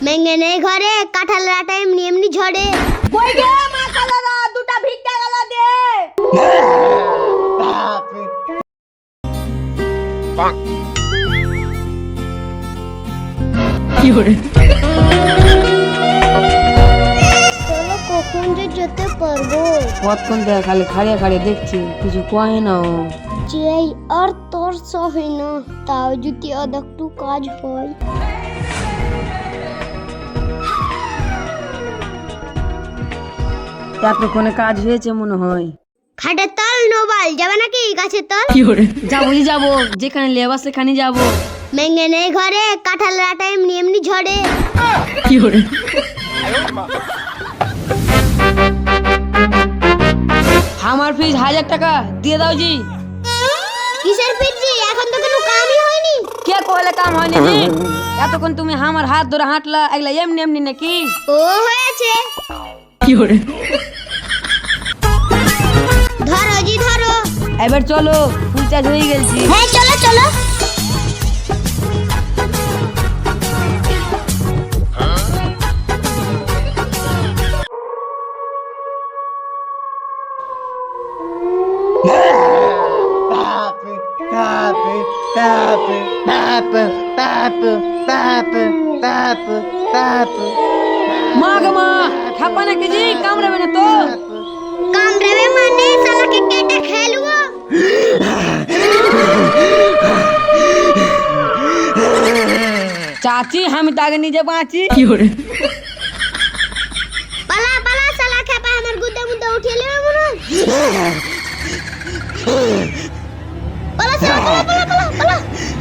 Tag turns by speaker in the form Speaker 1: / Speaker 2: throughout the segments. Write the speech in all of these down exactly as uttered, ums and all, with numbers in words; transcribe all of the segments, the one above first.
Speaker 1: মেঙ্গে নেই ঘরে, কাঁঠালের আটা এমনি এমনি ঝরে।
Speaker 2: কই গে মা কালারা, দুটা ভিক্ষা গালা দে।
Speaker 3: কি করে
Speaker 1: চলো কখন যে যেতে পারবো।
Speaker 3: কতক্ষণ থেকে খালি খাড়িয়ে খাড়িয়ে দেখছি, কিছু কয় না ও।
Speaker 1: যেই আর তোর সহে না, তাও যদি আর একটু কাজ হয়।
Speaker 3: এতক্ষণে কাজ হয়েছে মনে হয়।
Speaker 1: খাটের তল নোবাল যাবে নাকি গাছের তল?
Speaker 3: কি করে যাবো জি যাবো, যেখানে লেবা সেখানে যাবো।
Speaker 1: মেঙ্গে নেই ঘরে, কাঁঠালের আটা এমনি এমনি ঝরে।
Speaker 3: কি করে আমার ফিস হাজার টাকা দিয়ে দাও জি।
Speaker 1: কিসের পিজি? এখন তো কোনো কামই হয়নি।
Speaker 3: কে কইলে কাম হয়নি জি? এতক্ষণ তুমি আমার হাত ধরে হাঁটলা, এগুলা এমনি এমনি নাকি?
Speaker 1: ও হয়েছে।
Speaker 3: কি করে
Speaker 1: ধরো জি ধরো।
Speaker 3: এবার চলো, ফুল চার্জ হয়ে গেছি।
Speaker 1: হ্যাঁ চলো চলো।
Speaker 3: মা গো মা, খাপা নাকি জি? কামড়াবে না তো?
Speaker 1: কামড়াবে মানে শালাকে কেটে খেলবো।
Speaker 3: চাচি আমি তো আগে নিজে বাঁচি। কি করে
Speaker 1: পালা পালা, শালা খেপা আমার গুদে মুদে উঠিয়ে নেবে মনে হয়। পালা শালা, পালা পালা পালা পালা।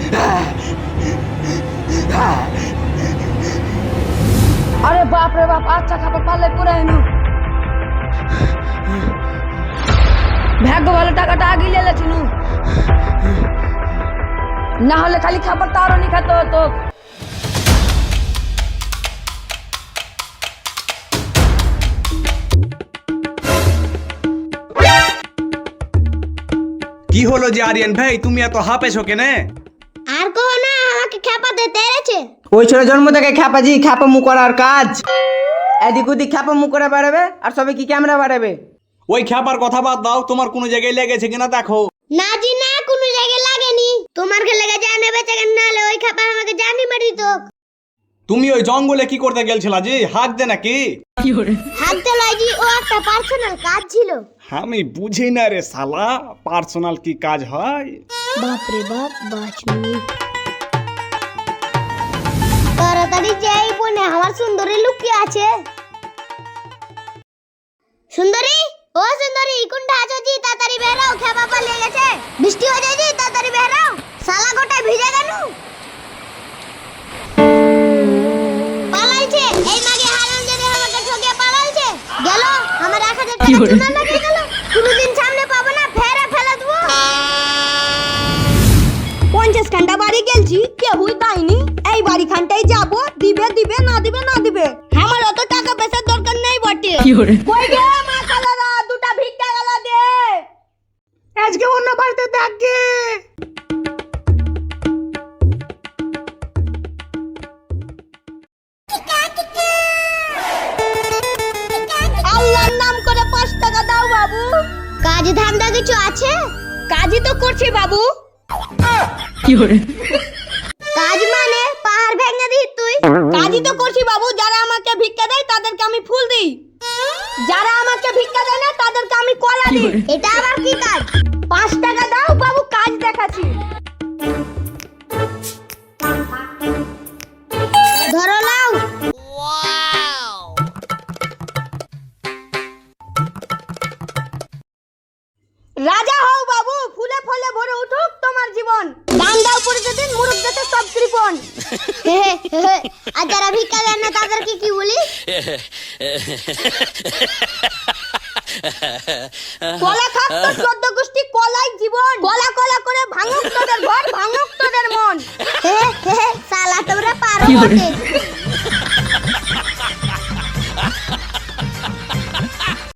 Speaker 3: আরে বাপ রে বাপ, আচ্ছা খাপা পারলে পুরো এনু। ভাগ্য ভালো, টাকাটা আগে লেলে চিনু, না হলে খালি খাবার তারও নি খেতে হতো।
Speaker 4: কি হলো যে আরিয়ান ভাই, তুমি এত হাঁপেছো কেনে?
Speaker 1: আর কहो না, আমাকে খেপাতে তেরেছে।
Speaker 5: ওই ছোট জন্ম থেকে খ্যাপাজি খ্যাপামু করার কাজ। এদিক ওদিক খ্যাপামু করে বাড়াবে, আর সবে কি ক্যামেরা বাড়াবে।
Speaker 4: ওই খ্যাপার কথা বাদ দাও, তোমার কোনো জায়গায় লেগেছে কিনা দেখো।
Speaker 1: না জি না, কোনো জায়গায় লাগেনি। তোমার খেলে গেছে জানে বেঁচে কেন, নাহলে ওই খেপা আমাকে জানি মারি তো।
Speaker 4: তুমি ওই জঙ্গলে কি করতে গেলছিলা জি? হাঁক দে নাকি?
Speaker 3: কি করে
Speaker 1: হাঁটতে লাগি, ও একটা পার্সোনাল কাজ ছিল।
Speaker 4: আমি বুঝি না রে শালা, পার্সোনাল কি কাজ হয়?
Speaker 1: বাপ রে বাপ, বাঁচনি। তাড়াতাড়ি যাই বনে, আমার সুন্দরী লুকিয়ে আছে। সুন্দরী, ও সুন্দরী, কোনটা আছো জি? তাড়াতাড়ি বেরাও, খেপা পালিয়ে গেছে। বৃষ্টি হয়ে যায় জি, তাড়াতাড়ি বেরাও। শালা গোটায় ভিজে গেল। পালাইছে এই মাগে, হারাম জানে আমাকে ঠকে পালাইছে। গেল আমার এক হাজার টাকা চুনা লাগে গেল। কোনদিন সামনে পাবো না, ফেরে ফেলে দেবো।
Speaker 2: পঞ্চাশ খানটা বাড়ি গেলছি, কেউই দেয়নি। এই বাড়ি খানটাই যাবো, দিবে দিবে, না দিবে না দিবে।
Speaker 1: আমার অত টাকা পয়সার দরকার নেই বটে।
Speaker 3: কি করে
Speaker 2: কই গে মা কালারা, দুটা ভিক্ষা গালা দে।
Speaker 5: আজকে অন্য বাড়িতে দেখে
Speaker 2: আল্লাহর নাম করে পাঁচ টাকা দাও বাবু।
Speaker 1: কাজ ধান্দা কিছু আছে?
Speaker 2: কাজই তো করছি বাবু।
Speaker 3: কি করে
Speaker 1: কাজ মানে পাহাড় ভেঙে দিই তুই?
Speaker 2: কাজই তো করছি বাবু, যারা আমাকে ভিক্ষা দেয় তাদেরকে আমি ফুল দিই, যারা আমাকে ভিক্ষা দেয় না তাদেরকে আমি কলা দিই।
Speaker 1: এটা আবার কি কাজ?
Speaker 2: পাঁচ টাকা দাও বাবু, কাজ দেখাচ্ছি।
Speaker 1: ধরো লাও।
Speaker 2: রাজা হও বাবু, ফুলে ফলে ভরে উঠুক তোমার জীবন। দান দাও প্রতিদিন, মুরুখ দেতে সব কৃপণ।
Speaker 1: হে হে হে। আর যারা ভিক্ষা দেন না তাদেরকে কি বলি?
Speaker 2: কলা খাক তোর চোদ্দ গোষ্ঠী কলাই জীবন। কলা কলা করে ভাঙুক তোদের ঘর, ভাঙুক তোদের মন।
Speaker 1: হে হে হে, শালা তোমরা পারো
Speaker 3: কি বলে?
Speaker 1: বটে।